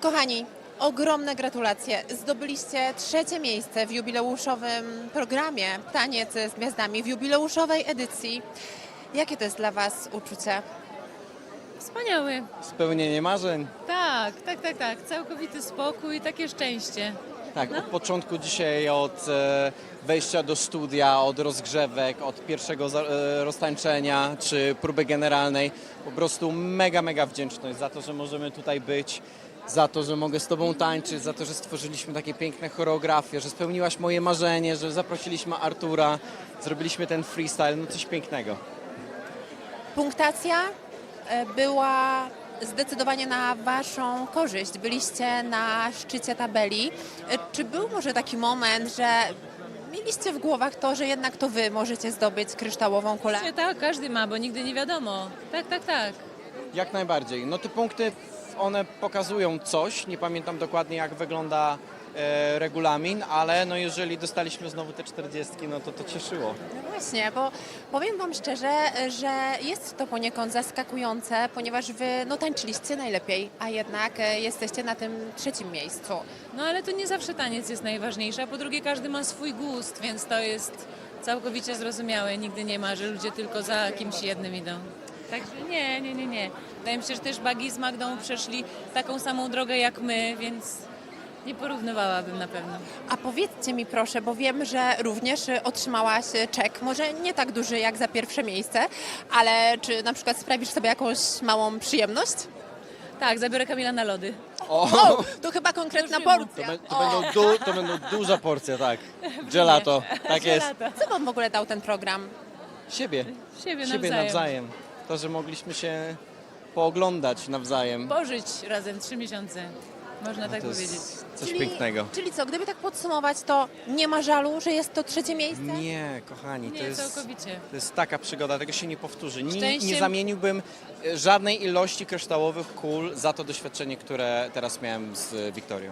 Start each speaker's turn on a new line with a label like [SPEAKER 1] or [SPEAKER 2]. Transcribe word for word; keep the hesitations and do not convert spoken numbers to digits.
[SPEAKER 1] Kochani, ogromne gratulacje. Zdobyliście trzecie miejsce w jubileuszowym programie Taniec z Gwiazdami, w jubileuszowej edycji. Jakie to jest dla Was uczucie?
[SPEAKER 2] Wspaniały.
[SPEAKER 3] Spełnienie marzeń.
[SPEAKER 2] Tak, tak, tak, tak. Całkowity spokój, takie szczęście.
[SPEAKER 3] Tak, od początku dzisiaj, od e, wejścia do studia, od rozgrzewek, od pierwszego za, e, roztańczenia czy próby generalnej, po prostu mega, mega wdzięczność za to, że możemy tutaj być, za to, że mogę z Tobą tańczyć, za to, że stworzyliśmy takie piękne choreografie, że spełniłaś moje marzenie, że zaprosiliśmy Artura, zrobiliśmy ten freestyle, no coś pięknego.
[SPEAKER 1] Punktacja e, była zdecydowanie na Waszą korzyść. Byliście na szczycie tabeli. E, Czy był może taki moment, że mieliście w głowach to, że jednak to Wy możecie zdobyć kryształową kulę?
[SPEAKER 2] Nie, tak, każdy ma, bo nigdy nie wiadomo. Tak, tak, tak.
[SPEAKER 3] Jak najbardziej. No te punkty, one pokazują coś, nie pamiętam dokładnie jak wygląda e, regulamin, ale no jeżeli dostaliśmy znowu te czterdziestki, no to to cieszyło.
[SPEAKER 1] No właśnie, bo powiem Wam szczerze, że jest to poniekąd zaskakujące, ponieważ Wy no, tańczyliście najlepiej, a jednak e, jesteście na tym trzecim miejscu.
[SPEAKER 2] No ale to nie zawsze taniec jest najważniejszy, a po drugie każdy ma swój gust, więc to jest całkowicie zrozumiałe. Nigdy nie ma, że ludzie tylko za kimś jednym idą. Także nie, nie, nie, nie. Wydaje mi się, że też Bagi z Magdą przeszli taką samą drogę jak my, więc nie porównywałabym na pewno.
[SPEAKER 1] A powiedzcie mi proszę, bo wiem, że również e, otrzymałaś e, czek, może nie tak duży jak za pierwsze miejsce, ale czy na przykład sprawisz sobie jakąś małą przyjemność?
[SPEAKER 2] Tak, zabiorę Kamila na lody.
[SPEAKER 3] O,
[SPEAKER 1] O, to chyba konkretna
[SPEAKER 2] To już wiem.
[SPEAKER 1] porcja.
[SPEAKER 3] to, be, to, będą du, to będą duża porcja, tak. Gelato, tak jest.
[SPEAKER 2] Lata.
[SPEAKER 1] Co Wam w ogóle dał ten program?
[SPEAKER 3] Siebie,
[SPEAKER 2] Siebie,
[SPEAKER 3] siebie
[SPEAKER 2] nawzajem.
[SPEAKER 3] nawzajem. To, że mogliśmy się pooglądać nawzajem.
[SPEAKER 2] Pożyć razem trzy miesiące, można tak
[SPEAKER 3] To
[SPEAKER 2] powiedzieć.
[SPEAKER 3] jest coś pięknego.
[SPEAKER 1] Czyli co, gdyby tak podsumować, to nie ma żalu, że jest to trzecie miejsce?
[SPEAKER 3] Nie, kochani, to
[SPEAKER 2] Nie,
[SPEAKER 3] jest,
[SPEAKER 2] całkowicie.
[SPEAKER 3] to jest taka przygoda, tego się nie powtórzy. Nie, nie
[SPEAKER 2] Szczęściem-
[SPEAKER 3] zamieniłbym e, żadnej ilości kryształowych kul za to doświadczenie, które teraz miałem z Wiktorią.